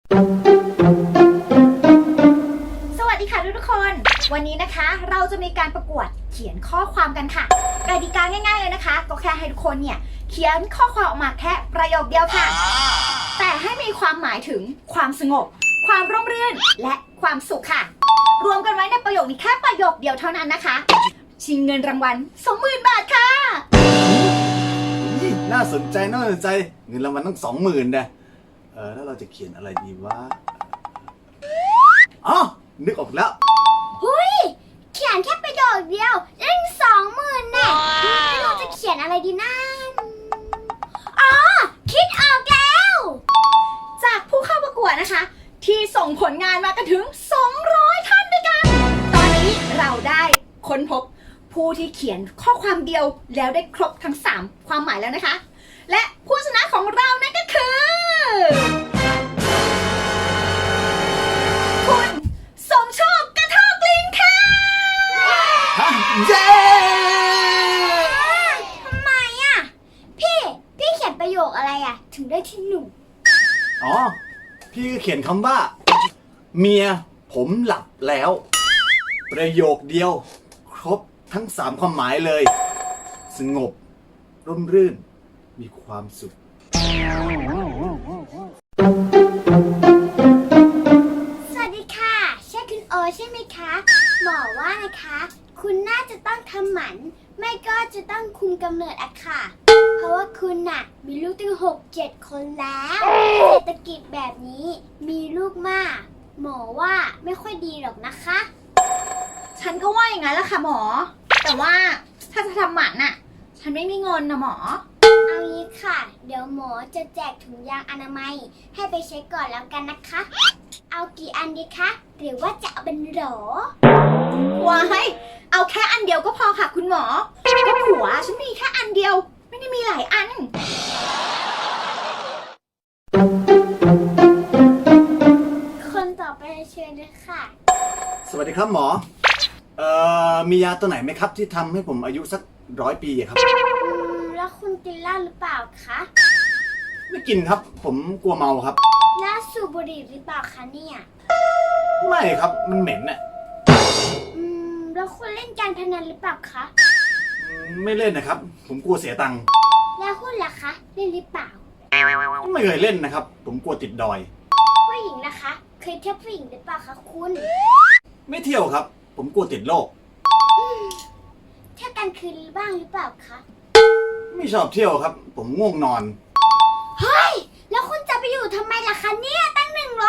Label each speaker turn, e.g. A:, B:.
A: สวัสดีค่ะทุกคนวันนี้นะคะเราจะมีการประกวดเขียนข้อความกันค่ะกติกาง่ายๆเลยนะคะก็แค่ให้ทุกคนเนี่ยเขียนข้อความออกมาแค่ประโยคเดียวค่ะแต่ให้มีความหมายถึงความสงบความร่มรื่นและความสุขค่ะรวมกันไว้ในประโยคนี้แค่ประโยคเดียวเท่านั้นนะคะชิงเงินรางวัล 20,000 บาทค่ะ
B: น่าสนใจเงินรางวัลต้อง20,000นะแล้วเราจะเขียนอะไรดีวะอ๋อนึกออกแล้ว
C: หุยเขียนแค่ประโยคเดียวได้20,000แน่ไม่รู้จะเขียนอะไรดีนะอ๋อคิดออกแล้ว
A: จากผู้เข้าประกวดนะคะที่ส่งผลงานมากันถึง200ท่านด้วยกันตอนนี้เราได้ค้นพบผู้ที่เขียนข้อความเดียวแล้วได้ครบทั้ง3ความหมายแล้วนะคะและผู้ชนะของเรานั่นก็คือคุณสมโชคกระทอกลิงค่ะ
B: เย้
C: ทำไมอ่ะพี่เขียนประโยคอะไรอ่ะถึงได้ที่หนึ่ง
B: อ๋อพี่เขียนคำว่า เมียผมหลับแล้ว ประโยคเดียวครบทั้ง3ความหมายเลย สงบร่มรื่นมีความสุข
C: สวัสดีค่ะใช่คุณโอใช่ไหมคะหมอว่านะคะคุณน่าจะต้องทำหมันไม่ก็จะต้องคุมกำเนิดอะค่ะเพราะว่าคุณน่ะมีลูกตั้ง6-7 คนแล้วเศรษฐกิจแบบนี้มีลูกมากหมอว่าไม่ค่อยดีหรอกนะคะ
A: ฉันก็ว่าอย่างนั้นแหละค่ะหมอแต่ว่าถ้าจะทำหมันน่ะฉันไม่มีเงินนะหมอ
C: เอางี้ค่ะเดี๋ยวหมอจะแจกถุงยางอนามัยให้ไปเช็คก่อนแล้วกันนะคะ เอากี่อันดีคะหรือว่าจะเอาเป็นโหล
A: ว้ายเอาแค่อันเดียวก็พอค่ะคุณหมอก็ผัวฉันมีแค่อันเดียวไม่ได้มีหลายอัน
C: คนต่อไปเชิญเลยค่ะ
B: สวัสดีครับหมอมียาตัวไหนไหมครับที่ทำให้ผมอายุสัก100 ปีอะครับ
C: แล้วคุณกินเหล้าหรือเปล่าคะ
B: ไม่กินครับ ผมกลัวเมาครับ
C: แล้วสูบบุหรี่หรือเปล่าคะเนี่ย
B: ไม่ครับมันเหม็นน่ะ
C: แล้วคุณเล่นการพนันหรือเปล่าคะ
B: ไม่เล่นนะครับ ผมกลัวเสียตังค์
C: แล้วหุ้นล่ะคะเล่นหรือเปล่า
B: ไม่เคยเล่นนะครับ ผมกลัวติดดอย
C: ผู้หญิงนะคะ เคยเที่ยวผู้หญิงหรือเปล่าคะคุณ
B: ไม่เที่ยวครับ ผมกลัวติดโรค
C: เที่ยวกลางคืนบ้างหรือเปล่าคะ
B: ไม่ชอบเที่ยวครับ ผมง่วงนอน
C: เฮ้ยแล้วคุณจะไปอยู่ทำไมล่ะคะเนี่ยตั้ง